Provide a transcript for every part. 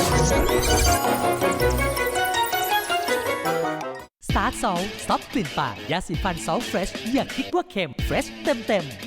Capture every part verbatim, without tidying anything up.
สตาร์ทซอลซอฟต์กลิ่นปากยาสีฟันซอลเฟรชอย่าคิดว่าเค็มเฟรชเต็มเต็ม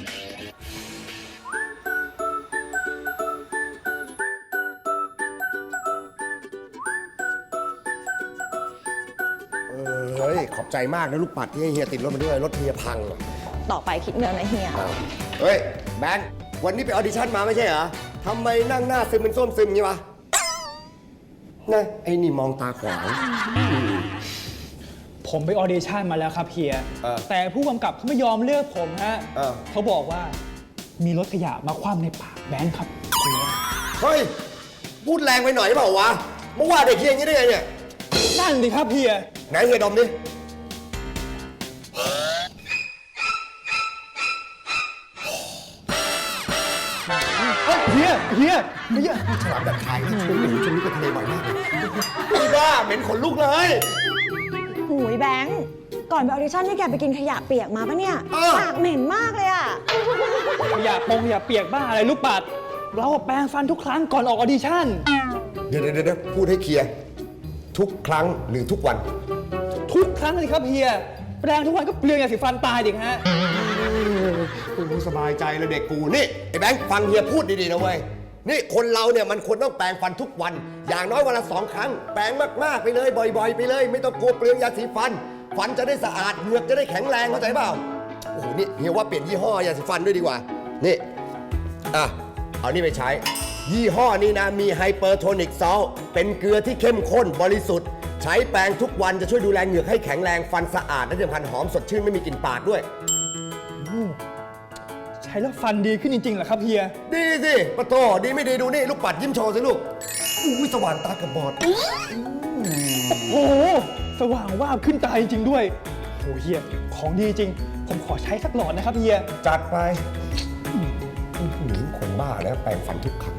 เฮ้ยขอบใจมากนะลูกปัดที่ให้เฮียติดรถมาด้วยรถเฮียพังอ่ะต่อไปคิดเงินนะเฮียเฮ้ยแบงค์วันนี้ไปออดิชั่นมาไม่ใช่เหรอทำไมนั่งหน้าซึมเป็นส้มซึมงี้วะนะไอ้นี่มองตาขวางผมไปออเดชั่นมาแล้วครับเฮียเออแต่ผู้กำกับเขาไม่ยอมเลือกผมฮะเออเขาบอกว่ามีรถขยะมาคว่ำในปากแบงค์ครับเฮ้ยพูดแรงไปหน่อยเปล่าวะเมื่อวานเด็กเฮียอย่างนี้ได้ไงเนี่ยนั่นดิครับเฮียไหนเฮียดมดิเฮียเฮียเฮียฉลามแบบไทยนะช่วงนี้ช่วงนี้ไปทะเลบ่อยมากเลยอีบ้าเหม็นขนลุกเลยหูยแบงค์ก่อนไปออดิชั่นนี่แกไปกินขยะเปียกมาปะเนี่ยเออปากเหม็นมากเลยอะขยะปงขยะเปียกบ้าอะไรลูกปัด เราแปรงฟันทุกครั้งก่อนออกออดิชั่นเดี๋ยวเดี๋ยวเดี๋ยวพูดให้เคลียร์ทุกครั้งหรือทุกวันทุกครั้งเลยครับเฮียแปรงทุกวันก็เปลืองยาสีฟันตายดิฮะกูสบายใจเลยเด็กกูนี่ไอ้แบงค์ฟังเฮียพูดดีๆนะเว้ยนี่คนเราเนี่ยมันควรต้องแปรงฟันทุกวัน อย่างน้อยวันละสองครั้งแปรงมากๆไปเลยบ่อยๆไปเลย ไม่ต้องกลัวเปลืองยาสีฟัน ฟันจะได้สะอาดเหงือกจะได้แข็งแรงเข้าใจเปล่าโอ้โหนี่เฮียว่าเปลี่ยนยี่ห้อยาสีฟันด้วยดีกว่านี่อ่ะเอานี่ไปใช้ ยี่ห้อนี้นะมีไฮเปอร์โทนิกซอลเป็นเกลือที่เข้มข้นบริสุทธิ์ใช้แปรงทุกวันจะช่วยดูแลเหงือกให้แข็งแรงฟันสะอาดและที่สำคัญหอมสดชื่นไม่มีกลิ่นปากด้วยใช้แล้วฟันดีขึ้นจริงๆเหรอครับเฮียดีสิปะโตดีไม่ดีดูนี่ลูกปัดยิ้มโชว์สิลูกอุ้ยสว่างตากระบอดโอ้โหสว่างวาบขึ้นตาจริงๆด้วยโอ้เฮียของดีจริง ผมขอใช้สักหลอดนะครับเฮียจัดไปอื้อหือคนบ้าแล้วแปรงฟันทุกครั้ง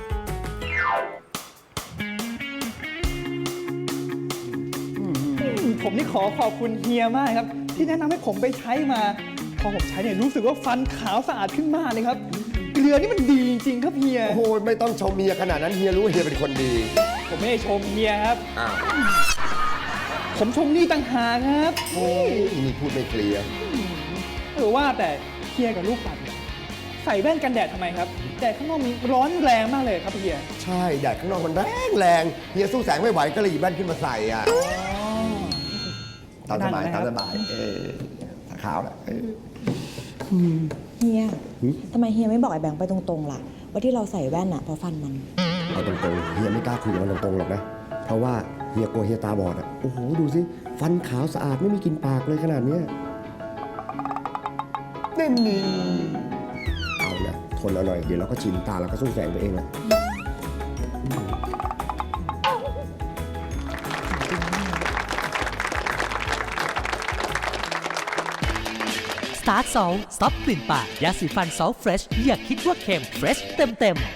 ผมนี่ขอขอบคุณเฮียมากครับ ที่แนะนำให้ผมไปใช้มา พอผมใช้เนี่ยรู้สึกว่าฟันขาวสะอาดขึ้นมากเลยครับ เกลือนี่มันดีจริงๆครับเฮียโอ้โหไม่ต้องชมเมียขนาดนั้นเฮียรู้ว่าเฮียเป็นคนดีผมไม่ได้ชมเฮียครับอ้าวผมชมนี่ต่างหากครับโอ้ยนี่พูดไม่เคลียร์หรือว่าแต่เฮียกับลูกปัดเนี่ยใส่แว่นกันแดดทำไมครับแดดข้างนอกมันร้อนแรงมากเลยครับเฮียใช่แดดข้างนอกมันแรงแรงเฮียสู้แสงไม่ไหวก็เลยหยิบแว่นขึ้นมาใส่อ่ะตามสบายตามสบายเออขาวแหละเออเฮียทำไมเฮียไม่บอกไอ้แบงค์ไปตรงๆล่ะว่าที่เราใส่แว่นอะเพราะฟันมันเอาตรงๆเฮียไม่กล้าคุยกับมันตรงๆหรอกนะเพราะว่าเฮียกลัวเฮียตาบอดอ่ะโอ้โหดูสิฟันขาวสะอาดไม่มีกลิ่นปากเลยขนาดเนี้ยนี่นี่เอานะทนเอาหน่อยเดี๋ยวเราก็ชินตาเราก็สู้แสงตัวเองแหละสตาร์ทซอลซอฟต์กลิ่นปากยาสีฟันซอลเฟรชอย่าคิดว่าเค็มเฟรชเต็มเต็ม